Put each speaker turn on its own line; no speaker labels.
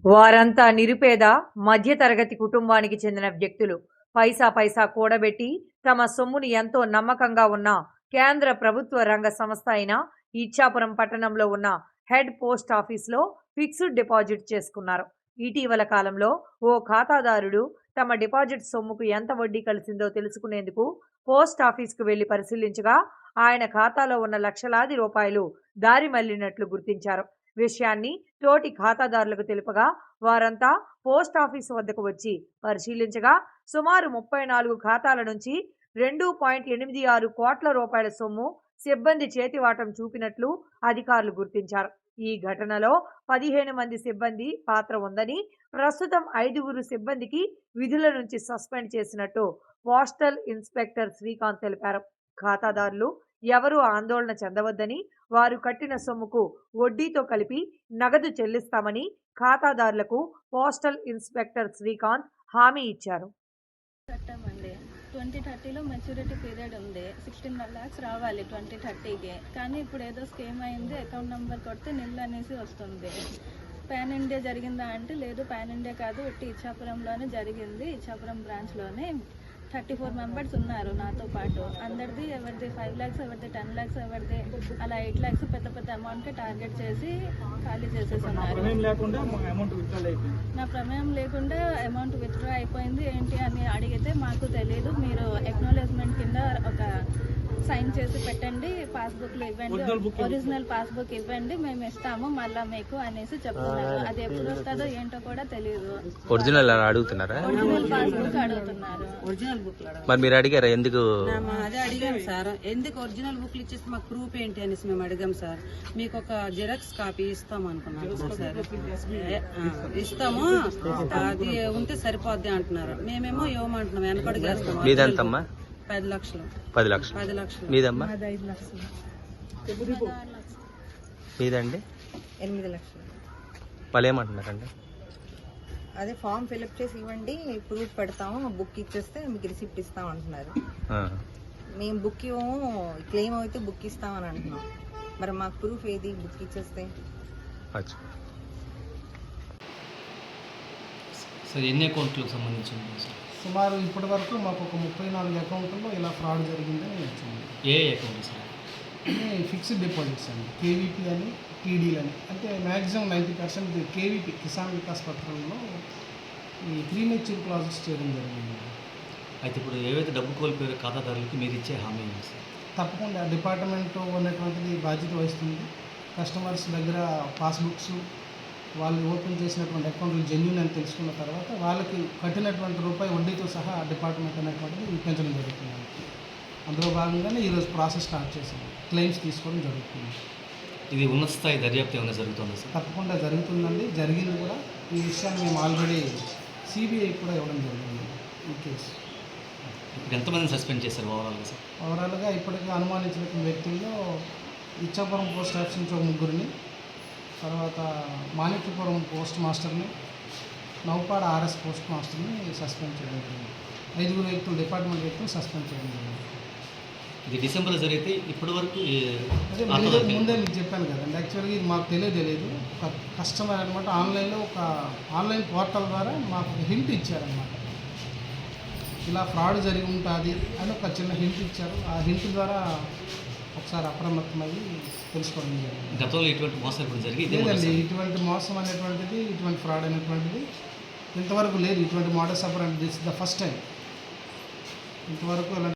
వారంతా నిరుపేద మధ్యతరగతి కుటుంబానికి చెందిన వ్యక్తులు. పైసా పైసా కూడబెట్టి తమ సొమ్ముని ఎంతో నమ్మకంగా ఉన్న కేంద్ర ప్రభుత్వ రంగ సంస్థ అయిన ఇచ్చాపురం పట్టణంలో ఉన్న హెడ్ పోస్ట్ ఆఫీస్లో ఫిక్స్డ్ డిపాజిట్ చేసుకున్నారు. ఇటీవల కాలంలో ఓ ఖాతాదారుడు తమ డిపాజిట్ సొమ్ముకు ఎంత వడ్డీ కలిసిందో తెలుసుకునేందుకు పోస్ట్ ఆఫీస్కు వెళ్లి పరిశీలించగా ఆయన ఖాతాలో ఉన్న లక్షలాది రూపాయలు దారి మళ్లినట్లు గుర్తించారు. విషయాన్ని తోటి ఖాతాదారులకు తెలుపగా వారంతా పోస్ట్ ఆఫీసు వద్దకు వచ్చి పరిశీలించగా సుమారు 34 ఖాతాల నుంచి 2.86 కోట్ల రూపాయల సొమ్ము సిబ్బంది చేతివాటం చూపినట్లు అధికారులు గుర్తించారు. ఈ ఘటనలో 15 మంది సిబ్బంది పాత్ర ఉందని, ప్రస్తుతం 5 సిబ్బందికి విధుల నుంచి సస్పెండ్ చేసినట్టు పోస్టల్ ఇన్స్పెక్టర్ శ్రీకాంత్ తెలిపారు. ఖాతాదారులు ఎవరూ ఆందోళన చెందవద్దని, వారు కట్టిన సొమ్ముకు వడ్డీతో కలిపి నగదు చెల్లిస్తామని ఖాతాదారులకు పోస్టల్ ఇన్స్పెక్టర్ శ్రీకాంత్ హామీ ఇచ్చారు.
2030లో మెచ్యూరిటీ పీరియడ్ ఉంది. 16 lakhs రావాలి 2030కి. కానీ ఇప్పుడు ఏదో స్కీమ్ అయింది, అకౌంట్ నెంబర్ కొడితే నిల్ అనేసి వస్తుంది. పాన్ ఇండియా జరిగిందా అంటే లేదు, పాన్ ఇండియా కాదు, ఇట్టి ఇచ్చాపురంలోనే జరిగింది. ఇచ్చాపురం బ్రాంచ్లోనే 34 మెంబర్స్ ఉన్నారు నాతో పాటు. అందరిది ఎవరిది 5 lakhs, ఎవరిది 10 lakhs, ఎవరిది అలా 8 lakhs పెద్ద పెద్ద అమౌంట్ టార్గెట్ చేసి ఖాళీ చేసేస్తున్నారు. నా ప్రమేయం లేకుండా అమౌంట్ విత్డ్రా అయిపోయింది ఏంటి అని అడిగితే మాకు తెలియదు, మీరు ఎక్నాలెడ్జ్మెంట్ కింద ఒక సైన్ చేసి పెట్టండి, పాస్బుక్లు ఇవ్వండి, ఒరిజినల్ పాస్బుక్ ఇవ్వండి, మేము ఇస్తాము మళ్ళా మీకు అనేసి చెప్తున్నారు. అది ఎప్పుడు వస్తుందో ఏంటో కూడా తెలియదు.
ఒరిజినల్ అడుగుతున్నారా?
ఒరిజినల్ పాస్బుక్ అడుగుతున్నారు.
మరి మీరు అడిగారా? ఎందుకు?
అదే అడిగాం సార్, ఎందుకు ఒరిజినల్ బుక్లు ఇచ్చేసి మాకు ప్రూఫ్ ఏంటి అనేసి మేము అడిగాం సార్. మీకు ఒక జిరాక్స్ కాపీ ఇస్తాం అనుకున్నాం సార్. ఇస్తాము, అది ఉంటే సరిపోద్ది అంటున్నారు. మేమేమో ఇవ్వమంటున్నాం, వెనకడుగేస్తాం.
మీదంతమ్మా?
10 లక్షలు.
10 లక్షలు.
10 లక్షలు.
మీదమ్మా?
5 లక్షలు.
మీదండి?
8 లక్షలు.
వాళ్ళు ఏమంటున్నారండి?
అదే ఫామ్ ఫిల్అప్ చేసి ఇవ్వండి, ప్రూఫ్ పెడతాము, బుక్ ఇచ్చేస్తే మీకు రిసిప్ట్ ఇస్తాం అంటున్నారు. మేము బుక్ ఇవ్వము, క్లెయిమ్ అయితే బుక్ ఇస్తామని అంటున్నాం. మరి మాకు ప్రూఫ్ ఏది బుక్ ఇచ్చేస్తే?
సార్ ఎన్ని అకౌంట్లకు సంబంధించింది సార్?
సుమారు ఇప్పటి వరకు మాకు ఒక 34 అకౌంట్లో ఇలా ఫ్రాడ్ జరిగిందని వచ్చింది.
ఏ అకౌంట్ సార్?
అంటే ఫిక్స్డ్ డిపాజిట్స్ అండి, కేవీపీ అని, టీడీలు అని. అంటే మ్యాక్సిమం 90% కేవీపీ కిసాన్ వికాస్ పత్రంలో ఈ ప్రీమెచ్యూర్ క్లాజెస్ చేయడం జరిగింది.
అయితే ఇప్పుడు ఏవైతే డబ్బు కోల్పోయారో ఖాతాదారులకి మీరు ఇచ్చే హామీ ఏంటి సార్?
తప్పకుండా డిపార్ట్మెంట్ ఉన్నటువంటిది బాధ్యత వహిస్తుంది. కస్టమర్స్ దగ్గర పాస్బుక్స్, వాళ్ళు ఓపెన్ చేసినటువంటి అకౌంట్లు జెన్యూన్ అని తెలుసుకున్న తర్వాత వాళ్ళకి కట్టినటువంటి రూపాయి వడ్డీతో సహా డిపార్ట్మెంట్ అనేటువంటిది ఇప్పించడం జరుగుతుంది. అందులో భాగంగానే ఈరోజు ప్రాసెస్ స్టార్ట్ చేశాము, క్లెయిమ్స్ తీసుకోవడం జరుగుతుంది.
ఇది ఉన్నత స్థాయి దర్యాప్తు ఏమైనా జరుగుతుందా సార్?
తప్పకుండా జరుగుతుందండి, జరిగింది కూడా. ఈ విషయాన్ని మేము ఆల్రెడీ సిబిఐ కూడా ఇవ్వడం జరిగింది ఈ కేసు.
ఇప్పుడు ఎంతమందిని సస్పెండ్ చేశారు ఓవరాల్గా సార్?
ఓవరాల్గా ఇప్పటికీ అనుమానించిన వ్యక్తుల్లో ఇచ్చాపురం పోస్ట్ ఆఫీస్ నుంచి 3 తర్వాత మాణిక్యపురం పోస్ట్ మాస్టర్ని, నౌపాడ ఆర్ఎస్ పోస్ట్ మాస్టర్ని సస్పెండ్ చేయడం జరిగింది. 5 వ్యక్తులు, డిపార్ట్మెంట్ వ్యక్తులు సస్పెండ్ చేయడం జరిగింది.
ఇది డిసెంబర్లో జరిగితే ఇప్పటి వరకు
అదే ముందే మీకు చెప్పాను కదండి. యాక్చువల్గా ఇది మాకు తెలియదు. ఒక కస్టమర్ అనమాట ఆన్లైన్లో ఒక ఆన్లైన్ పోర్టల్ ద్వారా మాకు ఒక హింట్ ఇచ్చారనమాట. ఇలా ఫ్రాడ్ జరిగి ఉంటుంది అని ఒక చిన్న హింట్ ఇచ్చారు. ఆ హింట్ ద్వారా ఒకసారి అప్రమత్తమయ్యి తెలుసుకోవడం జరిగింది.
గతంలో ఇటువంటి మోసాలు కూడా జరిగి
లేదండి, ఇటువంటి మోసం అనేటువంటిది, ఇటువంటి ఫ్రాడ్ అనేటువంటిది ఇంతవరకు లేదు. ఇటువంటి మోడల్స్ ఆపరేండి this is the first time. ఇంతవరకు